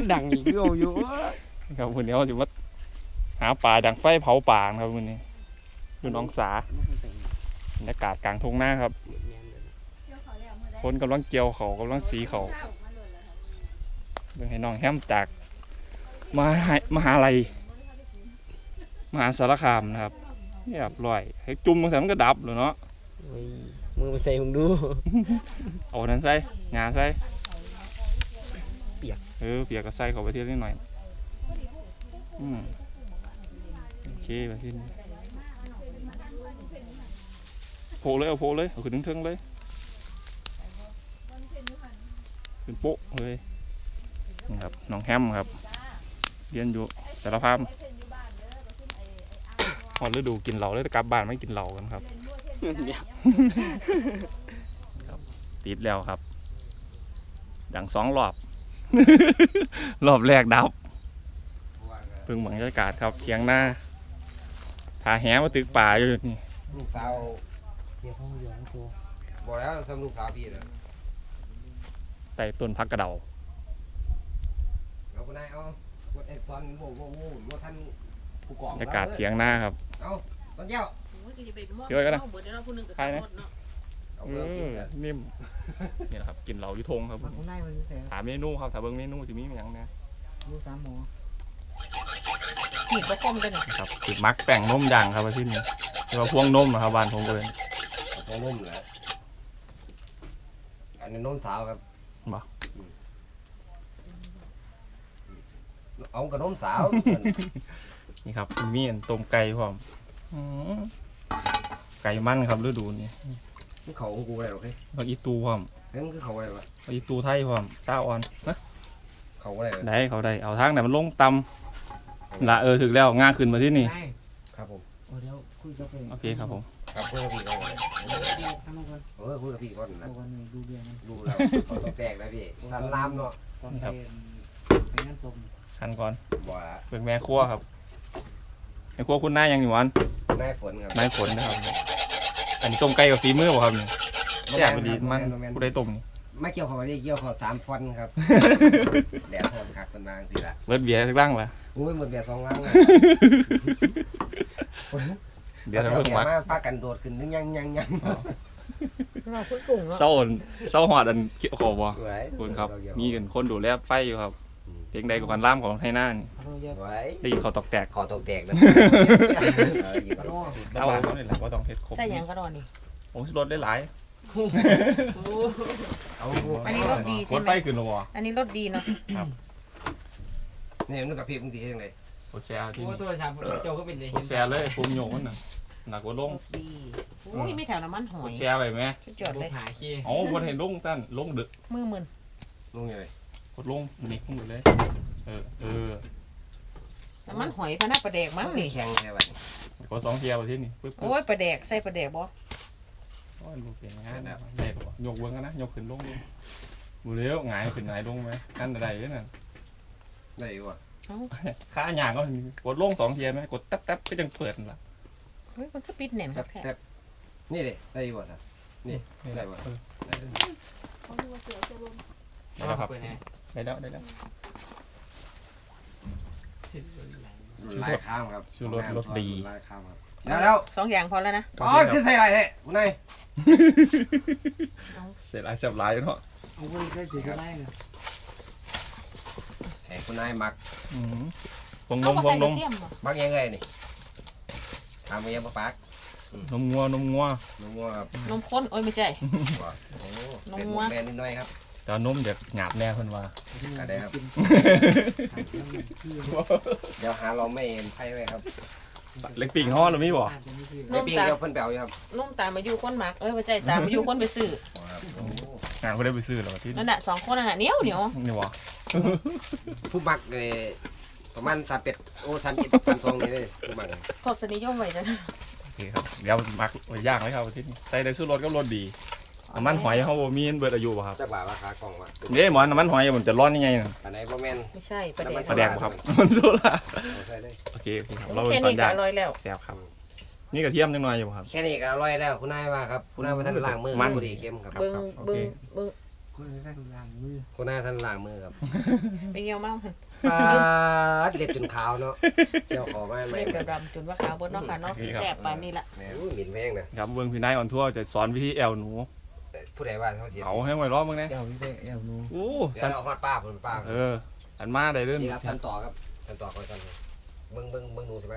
มันดังอีกเยอะอยู่ครับวันนี้เราจะมาหาป่าดังไฟเผาป่าครับวันนี้ดูน้องสาบรรยากาศกลางทุ่งนาครับคนกำลังเกี่ยวเขากำลังสีเขาเบิ่งให้น้องแฮมจากมหาลัยมหาสารคามนะครับเรียบร้อยให้จุ่มบางทีมันก็ดับเลยเนาะมือมาใส่มึงดูเอานั้นใส่งาใส่เปียกเปียกก็ใส่เข้าไปทีนิดหน่อยโอเคไปที่นี่โผล่เลยเอาขึ้นทึ่งเลยขึ้นโป๊ะเลยนี่ครับน้องแฮมครับเรียนอยู่สารภาพพอฤดูกินเหล้าเลยกลับบ้านไม่กินเหล้ากันครับติดแล้วครับดัง2 รอบ รอบแรกดับเพิ่งบรรยากาศครับเถียงหน้าผาแหมาตึกป่าอยู่นี่ลูกสาวเสียของเหลืองตัวบอกแล้วซ้ำลูกสาวพี่เลยใต้ต้นพักกระเดาเอาคนไหนเอาวดเอ็ดซอนโว้วดท่านผู้กองบรรยากาศเถียงหน้าครับเอาตอนเจ้าเยอะกันนะใครนะนิ่มนี่แหละครับกินเหล้ายุทงครับถามเมนูครับถามเบิ้งเมนูจะมีอย่างนี้ดู3 หมอขีดประคมกันครับขีดมักแป้งนมดังครับที่นี่เรียกว่าพวงนมนะครับบ้านผมก็เป็นพวงนมแหละอันนี้นมสาวครับบ่เอากับนมสาวนี่ครับมีต้มไก่พร้อมไก่มันครับฤดูนี้เขาของกูอะไรหรอพี่ผักอีตูพร้อมเฮ้ยมันคือเขาอะไรวะผักอีตูไทยพร้อมตาอ่อนนะเขาอะไรได้เขาได้เอาทางไหนมันลงตำละถึงแล้วง่าขึ้นมาที่นี่ครับผมเดี๋ยวคุยกับพี่โอเคครับผมครับคุยกับพี่ก่อนคุยกับพี่ก่อนนะดูเบียร์ดูแล้วเขาแตกแล้วพี่สันลามเนาะนี่ครับชันก่อนบ่เป็นแม่ครัวครับแม่ครัวคุณนายยังอยู่วันนายฝนครับนายฝนนะครับอันนี้ต้มไก่กับฝีมือบ่ครับนี่แซ่บดีมันผู้ใดต้มนี่ไม่เกี่ยวเขาได้เกี่ยวเขา3 ฟอนครับแดดร้อนคักเป็นบางทีละเบิดเบียร์สักลังละโอ้ยหมดเบียร์2 ลังเดี๋ยวเราเพิ่งมาปากันโดดขึ้นนึงยังเราคุยกุ้งเศร้าหอดอันเกี่ยวขอบบ่คุณครับมีกันคนดูแลไฟอยู่ครับเพียงใดกับการล่ามของไทยน่านได้ยินเขาตกแตกแล้วเอาเขาเนี่ยแหละว่าต้องเฮ็ดครบใช่ยังก็นอนนี่โอ้รถได้หลายอันนี้รถดีใช่ไหมรถไฟขึ้นหรออันนี้รถดีเนาะครับนี่มันกับพี่มึงดียังไงโอแชร์ที่ตัวสามโจก็เป็นเลยโอแชร์เลยผมโยงมันน่ะหนักกว่าลงดีโอ้ยไม่แถวน้ำมันหอยแชร์ไปไหมจอดเลยอ๋อวันเห็นลงสั้นลงดึกมือมึนลงยังไงกดลงนิกลงอยู่เลยน้ำมันหอยพนักปลาแดกมั้งนี่แข็งแค่ไหนก็2 เที่ยวที่นี่โอ้ยปลาแดกใส่ปลาแดกบ่โอ้ยลูกเก่งนะได้ป่ะยกเบิ้งกันนะยกขึ้นลงดูบูเลี้ยวหงายขึ้นหงายลงไหมนั่นอะไรเนี่ยน่ะได้วะขาหยางก็กดลง2 เที่ยวไหมกดแต๊บก็ยังเปิดละเฮ้ยมันก็ปิดแน่นครับแค่นี่เลยได้วะนะนี่ได้วะได้แล้วครับได้แล้วลายข้ามครับชื่อรถดีลายข้ามครับแล้ว 2 อย่างพอแล้วนะอ๋อคือใส่อะไรเนี่ยคุณนายเสร็จแล้วเสียบลายเนาะเอาไว้ได้สีก็ได้นะไอ้คุณนายมักพวงนมมักยังไงนี่ทำไปยังปะปักนมงัวนมครับนมข้นโอ้ยไม่ใช่นมงัวแม่นิดหน่อยครับแต่นมเด็กหยาบแน่คนว่าได้ครับเดี๋ยวหาเราไม่เห็นไพ่ไว้ครับเล็กปิ่งห่อหรือไม่บอกเล็กปิ่งเดี๋ยวเพิ่นแปลวอยู่ครับนุ่มตามมาอยู่คนหมักไม่ใช่ตามมาอยู่คนไปซื้องานก็ได้ไปซื้อแล้วที่นั่นแหละ2 คนน่ะเหนียวนี่วะผู้มักเลยประมาณ31 32นี่เลยผู้มักทศนิยมไว้จ้ะโอเคครับเดี๋ยวมักไว้ย่างไว้ครับที่ใส่ได้ซื้อรถก็รถดีน้ำมันหอยเขามีเบิดอายุป่ะครับจักบาทราคากล่องวะนี่หมอนน้ำมันหอยมันจะร้อนยังไงอันไหนบ่แม่นไม่ใช่ปลาแดกครับมันโซล่าโอเคเราเป็นตอนย่างอร่อยแล้วแซ่บครับนี่กระเทียมจังหน่อยอยู่ครับแค่นี้ก็อร่อยแล้วคุณนายว่าครับคุณนายมาท่านล้างมือมันดีเข้มครับเบิ้งคนแรกล้างมือคนหน้าท่านล้างมือครับไปเงี้ยวเมาปลาเล็บจนขาวเนาะเกี่ยวคอไม่เล็บดำๆจนว่าขาวบนเนาะค่ะเนาะแสบปานนี้ละแม่หมิ่นแพงนะครับเบิ่งพี่นายออนทัวร์จะสอนวิธีแอวหนูผู้ใดว่าเขาเสียเอาให้ไว้รอบมึงนะเอวนี่ได้เอวนูโอ้เดี๋ยสัวน เราฮอดป้าผมป้าอันมาได้เด้อนี่ครับท่านต่อครับท่านต่อคอยท่านเบิ่งดูใช่ไหม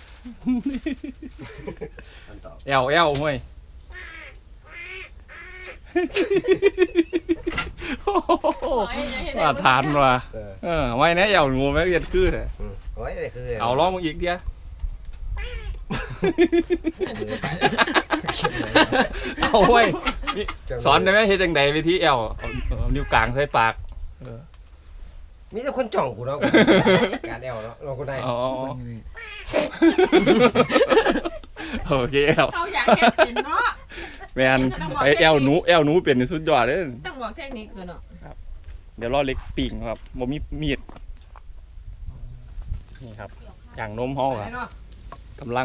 ท่านต่อแอวห้วยว่าทานว่ะไว้นะแอวหนูแม่เรียนคือแท้โอ้ยนี่คือเอาล้อมึงอีกเดียวเอาไว้สอนได้ไหมเฮ็ดจังไดวิธีแอวเอานิ้วกลางใส่ปากมีแต่คนจ่องกูเนาะการแอวเนาะเราคนใดอ๋อโอเคครับเขาอยากแค่กินเนาะแม่นไอ้แอวหนูเป็นสุดยอดเด้อต้องบอกเทคนิคคือเนาะเดี๋ยวรอเล็กปิ่งครับบ่มีมีดนี่ครับอย่างนมเฮาครับกำลัง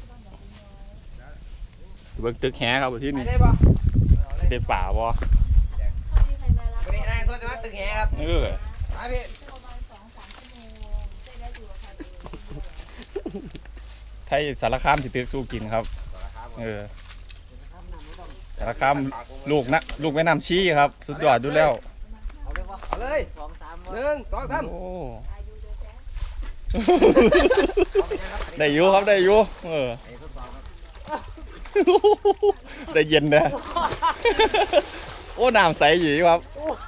เบิ่งตึกแหครับที่นี่สิได้ป่าบ่วันนี้นายตัวจะมาตึกแหครับเออไปพี่ไทยสารคามสิตึกสู้กินครับเออสารคามลูกแม่น้ำชี้ครับ สุดยอดดูแล้วเอาเลย1 2 3 โอ้ได้อยู่ครับได้อยู่เออได้เย็นนะโอ้น้ำใสอยู่ครับ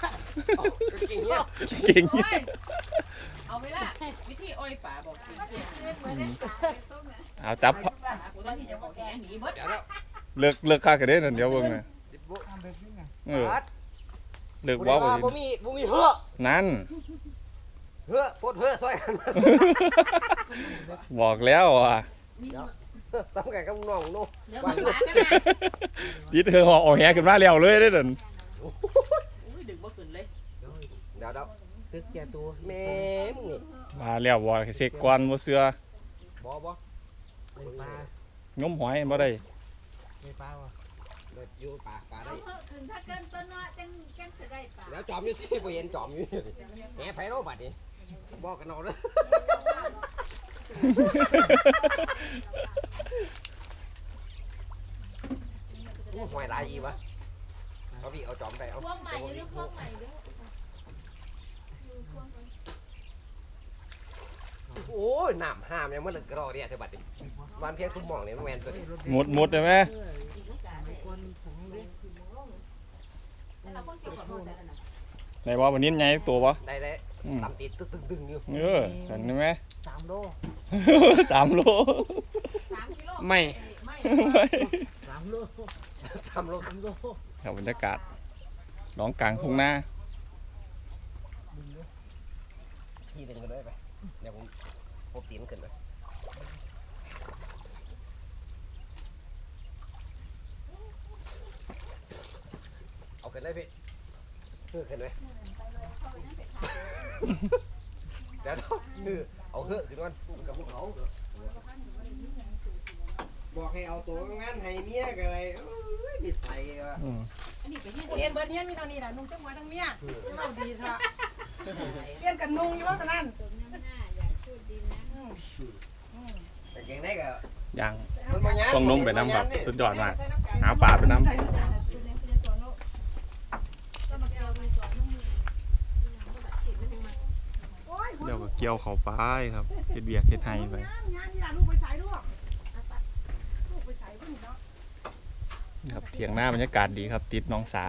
เก่งเอาไว้ละวิธีอ้อยป่าบอกกินเพียงเอาจับกูต้องที่จะบอกแกหนีเบิดเลิกค่ากันเด้อนั่นเดี๋ยวเบิ่งนะเออเลิกว้าวบ่มีเหือนั่นเหือปดเหือซอยกันบอกแล้วอ่ะทำกันกับน้องนู่เดี๋ยวมันหมากันนะติดเธอห่อแหขึ้นมาแล้วเลยเด้อนั่นอุ้ยดึงบ่ขึ้นเลยเดี๋ยวตึกแก่ตัวแม่มึงนี่มาแล้วบ่เสกก่อนบ่เสือบ่ไปปลางมหอยบ่ได้ไปปลาวะเด็ดอยู่ป่าได้ถึงถ้าเกินต้นเนาะจังจะได้ป่าแล้วจอมอยู่สิบ่เห็นจอมอยู่แหไผเนาะบัดนี้บอกกันเอาเด้อหอยลายอีวะเอาพี่เอาจอมไปเอาพวกใหม่ยังพวกใหม่ด้วยโอ้ยน้ำห้ามยังมันกรอเนี่ยเธอบัดนี้วันเพียงตุ้มมองเนี่ยแม่นตัวนี้หมดได้ไหมเราคนเกี่ยวกับมันแล้วนะไหนว่าวันนี้ใหญ่ตัวบ่ได้ตำตีตึงอยู่เออเห็นไหม 3 โล 3 โล 3 กิโลไม่ 3 โลทำโล 3 โลครับบรรยากาศร้องกลางทุ่งนาพี่ดึงกันเลยไปเดี๋ยวผมตีนขึ้นเลยเอาขึ้นเลยพี่ขึ้นเลยเดี๋ยวเอาเหือขึ้นก่อนกับพวกเขาบอกให้เอาตัวงานให้เมียกันเลยดิใส่ว่ะอันนี้ไปที่เรียนเบิร์ดเรียนมีเท่านี้แหละนุ่งจังหวะทั้งเมียเราดีเถอะเรียนกันนุ่งอยู่ว่ากันนั่นสมน้ำหน้าอย่าพูดดินนะแต่เก่งได้ก็ยังมันบ่ยากต้องนมไปน้ำแบบสุดยอดมากหาปลาไปน้ำคุณจะสอนโลกก็มาเกี่ยวไปสอนน้องมือโอ้ยเดี๋ยวก็เกี่ยวเขาไปครับเฮ็ดเบียกเฮ็ดไห้ไปงานที่หลานลูกไปใส่ด้วยลูกไปใส่เพิ่งเนาะครับเถียงหน้าบรรยากาศดีครับ ติดน้องสา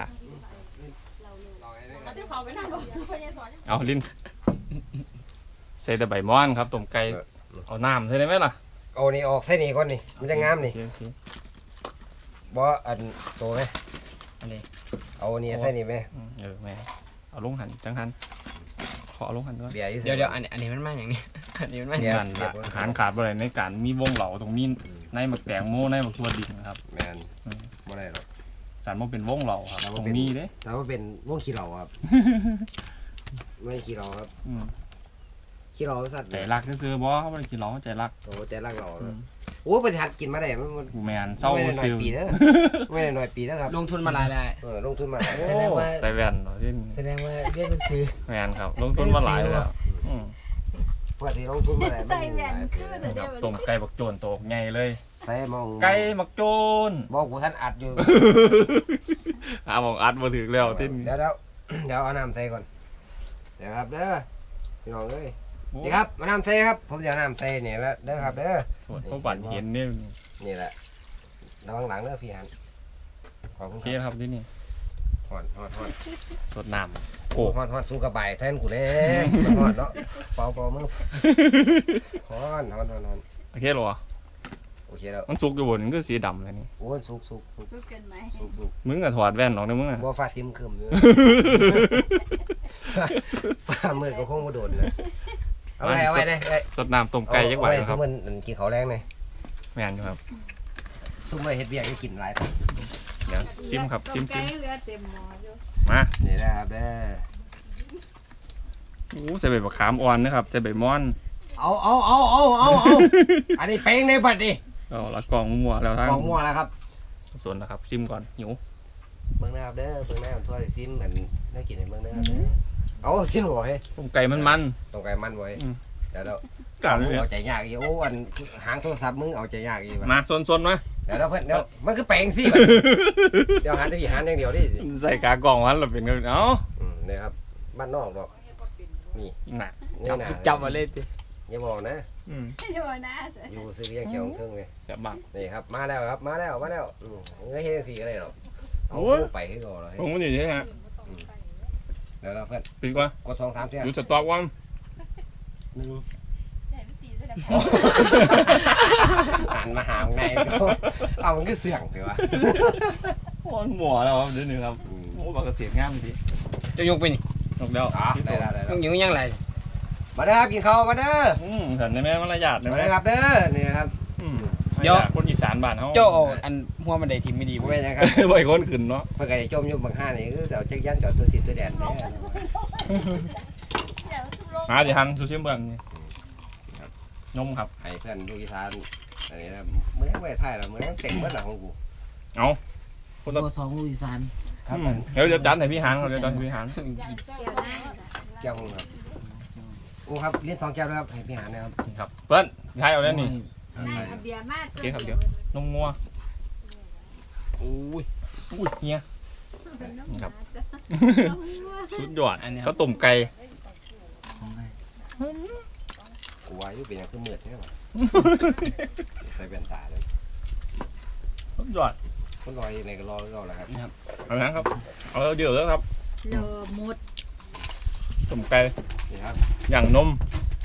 เขาจะเผาไปนั่งบอกพยาสอนเอาลิ้นใส่แต่ใบม่อนครับต้มไก่เอาน้ำใส่ได้ไหมล่ะเอานี่ออกใส่นี่ก่อนนี่มันจะงามนี่โอเคบ่อันโตไหมอันนี้เอานี่ใส่นี่ไหมแม่เอาลงหันจังหันขอเอาลงหันด้วยเบียร์อยู่เดี๋ยวอันนี้มันมาอย่างนี้ อันนี้มันมานั่นละอาหารขาดบ่ได้ในการมีวงเหล่าตรงนี้ในหมักแตงโมในหมักทั่วดินครับแมนบ่ได้หรอกสารมันเป็นวงเหล่าครับตรงนี้เด้แต่ว่าเป็นวงขี้เหล่าครับ ไม่ขี้เหล่าครับอืมขี้เหล่าสัตว์ใจรักซื้อๆบ่เขาบ่ได้กินเหล้าใจรักโอ้ใจรักเหล่าอืเนาะมโอ้ประธานกินมาได้มันแมนเศร้าไม่ได้น้อซื้ยอปีเด้อไม่ได้น้อยปีแล้วครับลงทุนมาหลายได้ลงทุนมาโอ้แสดงว่าใส่แว่นเหรอที่แสดงว่าเรียนหนังสือแมนครับลงทุนมาหลายแล้วอืมปกติลงทุนมาได้ใส่แว่นคือครับต้มไก่บักโจนโตกใหญ่เลยใส่มองไก่บักโจนบอกกูท่านอัดอยู่หาหมองอัดมาถึงแล้วที่เดี๋ยวเอาน้ำใส่ก่อนเดี๋ยวครับเด้อพี่น้องเอ้ยนี่ครับมาน้ำใส่ครับผมจะเอาน้ำใส่เนี่ยแล้วเด้อครับเด้อส่วนพวกบัตรเห็นนี่นี่แหละระวังหลังเด้อพี่หันขอบคุโอณเคครับครับที่นี่ฮอนสดน้ำโกฮอนสู้กระบายแทนกูเด้ฮอนเนาะเป่ามือฮอนโอเคหรอโอเคแล้วมันสุกอยู่บนมันก็สีดำเลยนี่โอ้สุกรู้กันไหมมึงก็ถอดแว่นออกนะมึงอ่ะบ่ฟ้าซิมคืมอยู่ฟ้ามืดก็คงบ่โดนนะเอาไว้เลยสดน้ำต้มไก่ยักษ์ไหวครับมันกินข้าวแรงเลยแมนอยู่ครับซุ่มไว้เฮ็ดเวียกให้กินหลายครับเดี๋ยวซิมครับซิมไก่เรือเต็มหม้ออยู่มานี่นะครับเด้อโอ้ใส่ใบมะขามอ่อนนะครับใส่ใบม่อนเอาอันนี้เป้งในบัดดิเอาละกล่องมัวแล้วทั้งกองมั่วแล้วครับส่วนนะครับซิมก่อนหิวเบิ่งนะครับเด้อเบิ่งนะครับทั่วซิมอันได้กินให้เบิ่งนะครับเด้อเอาซิมบ่ให้ต้มไก่มันตรงไกลมันบ่ให้เดี๋ยวๆกลับเลยเอาใจยากอีกโอ้อันหางโทรศัพท์มึงเอาใจยากอีกว่ะมาส่วนๆมาเดี๋ยวเพื่อนเดี๋ยวมันคือแปลงสิเดี๋ยวหันจะพี่หันอย่างเดียวดิใส่กากล่องวันเราเป็นกันเอ้านี่ครับบ้านนอกดอกนี่น่ะนี่นะจับมาเล่นดิอย่าบอกนะเดี๋ยวนะอยู่ซื้อเลี้ยงเขียวเครื่องเลยจะบังนี่ครับมาแล้วครับมาแล้วเงยเฮ็ดสีอะไรหรอกเอาไปให้ก่อนเลยผมมันอยู่ที่ฮะเดี๋ยวเราเพื่อนปีกว่ากด2-3เที่ยอยู่สต็อกวัน 1 ใหญ่ไม่ตีแสดงหันมาหาไงก็เอามันก็เสี่ยงถือว่าอ่อนหมัวแล้วครับเดี๋ยวนึงครับโอ้บักเกษตรงามทีจะยกไปนี่นกเดียวได้แล้วต้องอยู่ยังไงมาเด้อครับกินข้าวมาเด้อสันได้ไหมมารยาทได้มาไหมเด้อครับเด้อนี่ครับคนอีสานบ้านเขาเจ้าเอาอันหัวมันได้ทีมไม่ดีไม่เว้ยนะครับบ่อยคนขึ้นเนาะเพื่อนก็จะจมอยู่บางห้านี่คือเอาจักยันจอดตัวติดตัวแดนแน่เดี๋ยวทุบลงหาสิฮันซูชิมเบิ่งนี่นมครับให้เพื่อนดูอีสานอันนี้ครับมื้อนี้ไม่ได้ถ่ายหรอกมื้อนี้เต็มเบิดหลังของกูคนละตัว2ลูกอีสานครับเดี๋ยวจัดให้พี่หานเดี๋ยวจัดให้พี่หานเดี๋ยวนะแก้วครับโอ้ครับเลี้ยง2แก้วด้วยครับให้พี่หานะครับครับเปิ้ลใช้เอาแล้วนี่เบียร์มากโอเคครับเดี๋ยวนมงัวอุ้ยอุ้ยเฮียครับสุดยอดเขาต้มไก่กูว่าอยู่เป็นอย่างคือมืดแท้ว่ะใส่แว่นตาเลยสุดยอดคนรอยในก็รอก็แล้วครับเอาละครับเอาเดี๋ยวแล้วครับโลมุดต้มไก่นี่ครับอย่างนม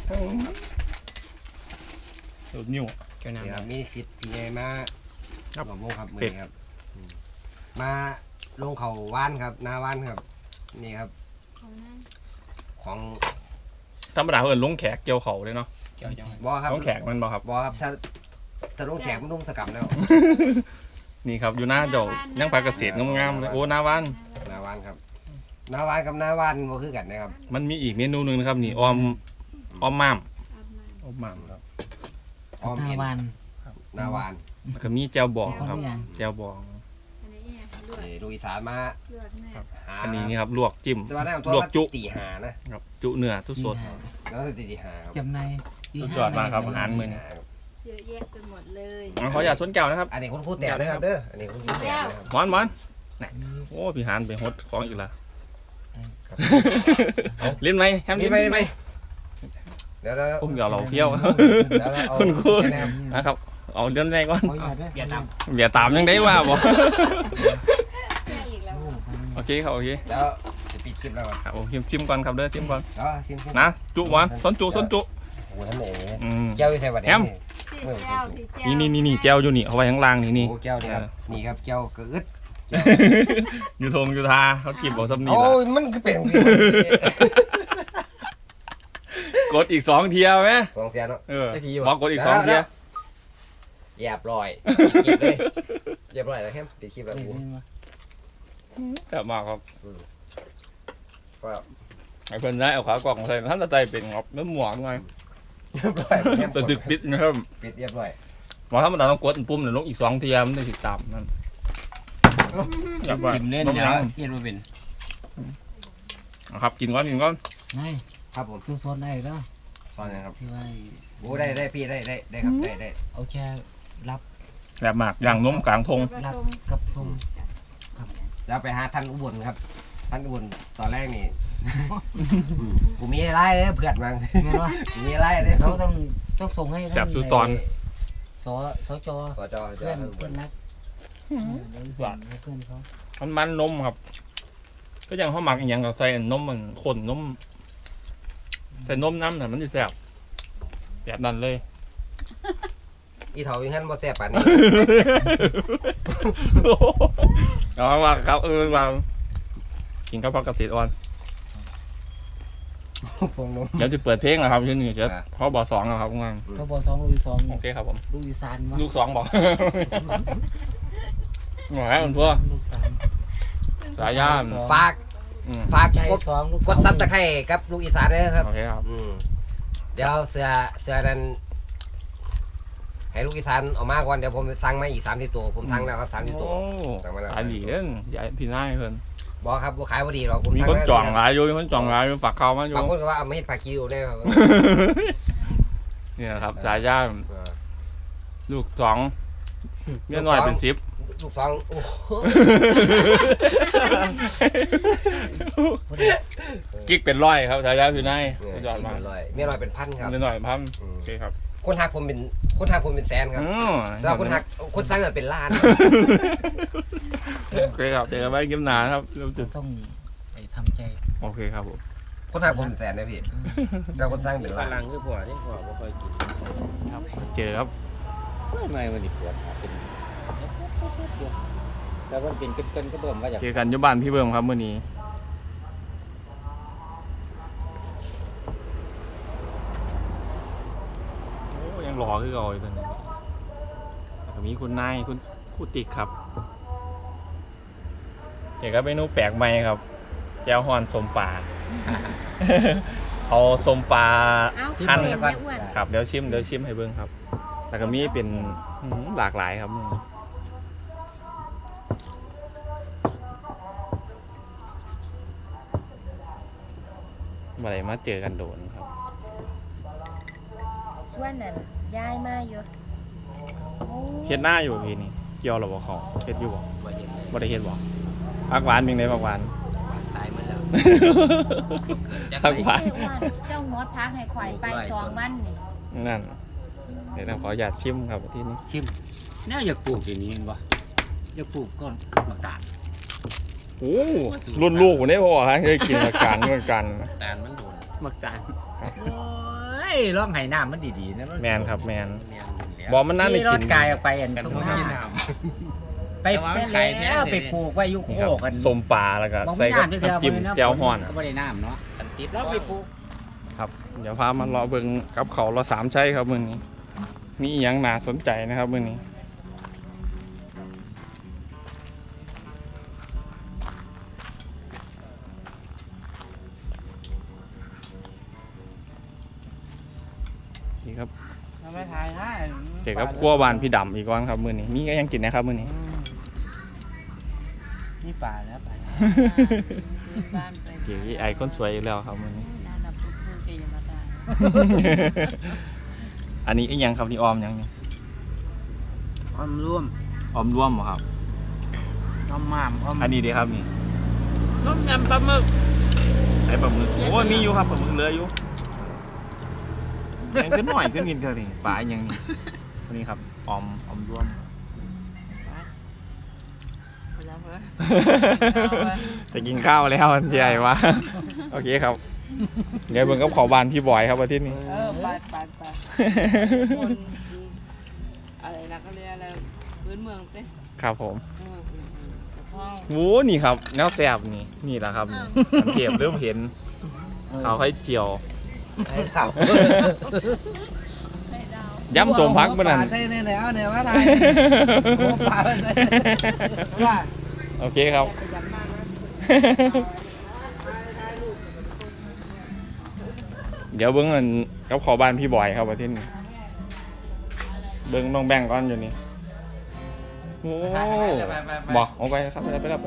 สุดนิ้วเกี่ยวนี่คน้ำรับมีสิทธิ์พี่ใหญ่มาครับหมอโมครับมื้อนี้ครับมาลงเขาว่านครับนาว่านครับนี่ครับของธรรมดาเอิ้นลงแขกเกี่ยวเขาเลยเนาะเกี่ยวจังบ่ครับลงแขกมันบ่ครับบ่ครับถ้าลงแขกมันลงสกัมแล้วนี่ครับอยู่หน้าเจ้ายังปลาเกษตรงามๆเลยโอ้หน้าบ้านนาวานครับนาวานกับนาวานบ่คือกันนะครับมันมีอีกเมนูหนึงนะครับนี่ออมม่ามออมม่ามครับอ้อมหน้าเห็นวันนาวานแล้วก็มีแจ่วบองครับแจ่วบองอันนี้ลวกนี่ลูกอีสานมาลวกแน่หาอันนี้นี่ครับลวกจิ้มแต่ว่าได้ลวกจุตีหานะครับจุเนื้อทุกสดแล้วก็ตีหาครับจำในสุดยอดมากครับอาหารมื้อนี้เยอะแยะไปหมดเลยขออย่าตส้นแก้วนะครับอันนี้คุณครูแต่เลยครับเด้ออันนี้คุณครูแต่นะครับหมอนน่ะโอ้พี่หานไปฮดของอีกละลิ้นไหมแฮมนี่ลิ้นไหมเดี๋ยวผมเดี๋ยวเราเที่ยวเดี๋ยวเอาคุณครูแค่นะครับนะครับเอาเรื่องแรกก่อนขออย่าด้วยอย่าตามอย่าตามยังได้ว่าบ่แค่อีกแล้วโอเคครับโอเคเดี๋ยวจะปิดคลิปแล้วครับครับผมชิมก่อนครับเด้อชิมก่อนเดี๋ยวซิมนะจุหวานส้นจุโอ้ทำไหนอืมแก้วอยู่ใส่บัตรที่แก้วที่แก้วนี่แก้วอยู่นี่เอาไว้ข้างล่างนี่โอ้แก้วนี่ครับนี่ครับแก้วกระอึดอยู่ทงอยู่ทาเขากิบเอาซ้ำนี่โอ้ละยมันคือเป็นกดอีก2เทียไหมสองเสียเนาะบอกกดอีก2เทียเรียบร้อยปิดคลิปเลยเรียบร้อยแล้วแฮมปิดคลิปแล้วกูแต่มากครับก็ไอ้เพิ่นได้เอาขากล่องใส่ท่านตะไตเป็นงบเนื้อหมวกไงเรียบร้อยแฮมแต่สึกปิดนะครับปิดเรียบร้อยมบอกถ้ามันต้องกดปุ่มเดี๋ยวลงอีก2 ทีมันได้ติดตามนั่นทิมเล่นแล้วเฮ็ดบ่เป็นครับกินก่อนนายครับผมตู้โซนได้แล้วซอยนะครับที่ว่าโอ้ได้พี่ได้ครับได้เอาแค่รับแบบหมากอย่างนมกลางทงรับกับทรงแล้วไปหาท่านอุบลครับท่านอุบลตอนแรกนี่กูมีอะไรเลยเพื่อนมั้งไงวะมีอะไรเลยเราต้องส่งให้แสบสุดตอนสจสจเพื่อนรักเดี๋ยวส่งให้เพื่อนเขามันนมครับ ก็ยังเขาหมักอย่างกับใส่นมมันข้นนมใส่นมน้ำน่ะมันจะแสบแบบนั้นเลยอีเถาอย่างนั้นบ่แซ่บปานนี้เอามาครับมากินข้าวผัดกะทิอ่อนพวงนมเดี๋ยวจะเปิดเพลงนะครับที่นี่จะพอบ2ครับงานเขาบอก2 ลูกอี 2 โอเคครับผมลูกอีสานวะลูก2บอกหน่อยมันพวกลูก3 สายย่านฝากใจกด 2 ลูกกดซับตะไคร้กับลูกอีสานด้วยนะครับโอเคครับเดี๋ยวเสือนั้นให้ลูกอีสานออกมาก่อนเดี๋ยวผมสั่งมาอีก30 ตัวผมสั่งแล้วครับ30 ตัวโอ้สั่งมาแล้วขายดีเด้นใหญ่พี่นายเพิ่นบอกครับบ่ขายบ่ดีหรอกผมมีสั่คนแล้วจ่องหลายอยู่มีคนจ่องหลายอยู่ฝากเขามาอยู่บางคนก็ว่าเอามาเฮ็ดผักคิวได้ครับเนี่ยครับสายย่านเออลูก2เมียน้อยเป็น10 ลูกสองโอ้โหกิ๊กเป็นร้อยครับสายย่านพี่นายเนี่ยยอดมากเป็นร้อยเมียน้อยเป็นพันครับเมียน้อยพันโอเคครับคนหักผมเป็นแสนครับอ๋อแล้วคนหักคนสั่งเป็นล้านโอเคครับเจอกันไว้กิมหนาครับเราจะต้องไปทำใจโอเคครับผมคนหักผมเป็นแสนนะพี่แล้วคนสั่งเป็นล้านลังคือผัวนี่ผัวบ่ค่อยกินครับเจอครับไม่วันนี้ปวดเป็นแต่ว่าเป็นเกินก็เบิ่มว่าอยากเจอกันอยุบ้านพี่เบิ่มครับมื้อนี้โอ้ยังหล่อคือเก่าอยู่ตอนนี้แล้วก็มีคุณนายคุณครูติ๊กครับเจอกับเมนูแปลกใหม่ครับแจ่วฮ้อนสมปลา เอาสมปลา หั่น ครับเดี๋ยวชิมให้เบิ่งครับแล้วก็มีเป็นหลากหลายครับมาไหนมาเจอกันโดนครับส่วนนั้นย้ายมาอยู่เฮ็ดหน้าอยู่พี่นี่เกี่ยวหรอบ่เขาเฮ็ดอยู่บ่บ่เห็นเลยบ่ได้เฮ็ดบ่ผักหวานเป็นไงผักหวานตายหมดแล้วเกิดจากผักหวานเจ้าหมดพักให้ข่อยไป2 วันนี่นั่นเดี๋ยวเราขออยากชิมครับที่นี้ชิมแนวอยากปลูกอย่างนี้บ่อยากปลูกก้อนมะกาดโอ้รุ่นลูกผมได้พอฮะเคยกินมากันเหมือนกันตาลมันโดนมะกาดโอ้ยร้องไห้น้ำมันดีๆนะแมนครับแมนบบอมันน่าได้รกิถนกายออกไปอันตรงหน้าไปแล้วไปปลูกไว้อยู่โคครับกันส้มปลาแล้วก็ใส่กับน้ำจิ้มแจ่วฮ้อนก็ไม่ได้น้ำเนาะติดแล้วไปปลูกครับเดี๋ยวพามารอเบิ่งกับเขาเรา3ใช้ครับมื้อนี้มีอหยังน่าสนใจนะครับมื้อนี้นี่ครับทำไมถ่ายให้เจอกับครัวบ้านพี่ดำอีกวันครับมื้อนี้มีก็ยังกินนะครับมื้อนี้นี่ป่าแล้วป่าบ้านไปเกี่ยวกับไอคนสวยอีกแล้วครับมื้อนี้นั่นน่ะพูดๆอย่ามาด่าอันนี้อีหยังครับนี่ออมหยังนี่อมร่วมออมร่วมบ่ครับอมหม่ำอมอันนี้ดีครับนี่ต้มยำปลาหมึกไอ้ปลาหมึกโอ้ยมีอยู่ครับปลาหมึกเหลืออยู่ยังขึ้นหน่อยขึ้นกินเท่านี้ปลาอีหยังนี่อันนี้ครับออมร่วมไปแล้วเว้ยจะกินข้าวแล้วอันใหญ่วะโอเคครับเดี๋ยวเบิ่งกับขอบานพี่บอยครับอาทิตย์นี้ไปคนอะไรนะก็เรียกอะไรพื้นเมืองสิครับผมพ่อโอ้นี่ครับแนวแซ่บนี่แหละครับอันเทียบเริ่มเห็นเขาให้เจียวไอ้เต่าย้ำสมพักเมื่อนั้นใช่เนี่ยแล้วเนี่ยว่าไงป่าใช่ว่าโอเคครับ เดี๋ยวเบิ่งกันกับขอบานพี่บอยครับอาทิตย์นี้เบิ่งน้องแบงก์ก่อนอยู่นี่โอ้บอกออกไปครับไปแล้ว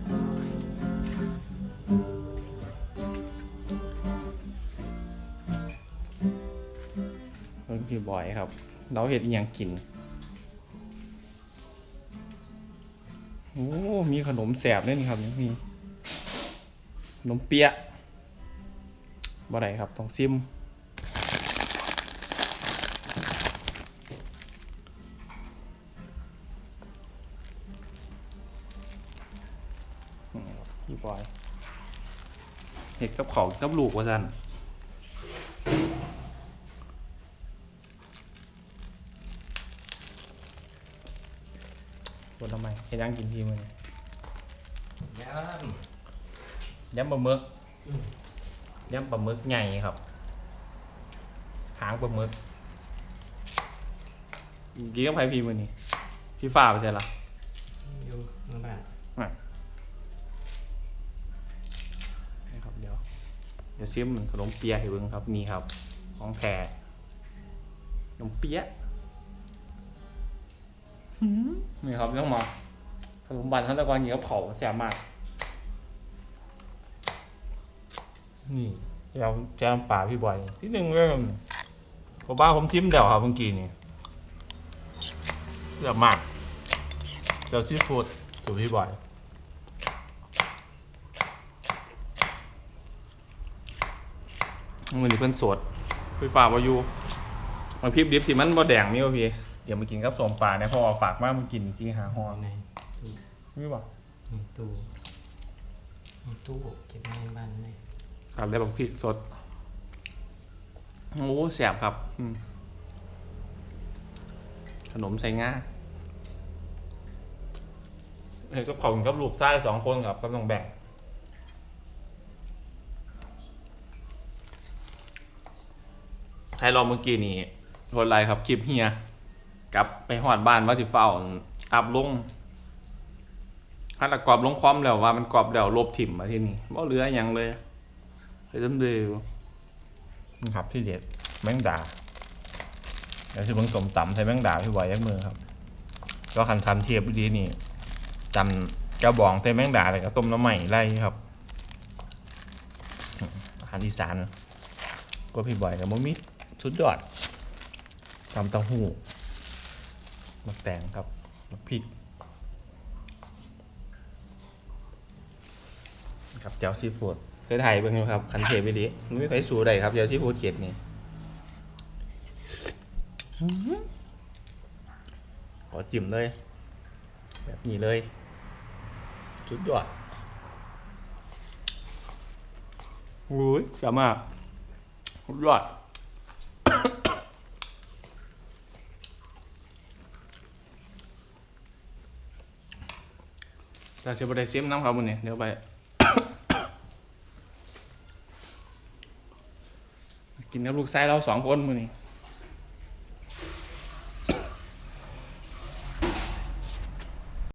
เพิ่นพี่บอยครับเราเห็ดอีหยังกินโอ้มีขนมแสบด้วยนี่ครับมีขนมเปี๊ยะบ่ได้ครับต้องซิมพี่บอยเห็ดกับเขากับลูกว่าซั่นบนทำไมเห็ดยังกินทีมึงยำปลาหมึกใหญ่ครับหางปลาหมึกกินกับไผ่พีมือนี่พี่ฟ้าไปใช่หรออยู่ข้างบ้านครับเดี๋ยวซิมขนมเปี๊ยะให้เบิ่งครับนี่ครับของแท้ขนมเปี๊ยะนี่ครับต้องมาขนมบันขั้นตอนนี้ก็เผาแซ่บมากนี่แจมป่าพี่บอยที่หนึ่งเลยผมบ้าผมชิมเดี่ยวครับเมื่อกี้นี่แซ่บมากเจ้าซีฟู้ดสูตรพี่บอยมันนี่เพิ่นสดพี่ฝากว่าอยู่มาพริบดิบที่มันบ่แดงมีวะพี่เดี๋ยวมากินกับส้มปลาเนี่ยพอฝากมากมากินจริงหาห่อไงนี่บ่ตู้เก็บในบ้านเลยครับได้บักพริกสดโอ้แสบครับขนมใส่ง่าเห็นกับเขากับลูกใต้2 คนครับก็ต้องแบ่งให้ลองเมื่อกี้นี่โทษไรครับคลิปเฮียกลับไปหอดบ้านว่าสิเฝ้าอัพลงถ้าตะกรอบลงคอมแล้วว่ามันกรอบแล้วลบถิ่มมาที่นี่บ่เหลืออย่างเลยไปเดิมนี่ครับที่เด็ดแมงดาเดี๋ยวที่เบิ่งสมตำใส่แมงดาพี่บอยยักมือครับก็คันเทียบดีนี่จำเจ้าบองใส่แมงดาอะไรก็ต้มน้ำใหม่ไล่ครับอาหารอีสานก็พี่บอยกับมมิสุดยอดตำเต้าหู้มะแตงครับมะพริกครับเจ้าซีฟู้ดเคยถ่ายเบิ่งอยู่ครับคันเทปไปดิไม่ไปสู่ใดครับเจ้าซีฟู้ดเจ็ดนี่ขอจิ้มเลยแบบนี้เลยสุดยอดโอ้ยสามารถสุดยอดเราจะไปได้เสียมน้ำเขาบุญเนี่ยเดี๋ยวไป กินกับลูกชายเรา2 คนมื้อนี้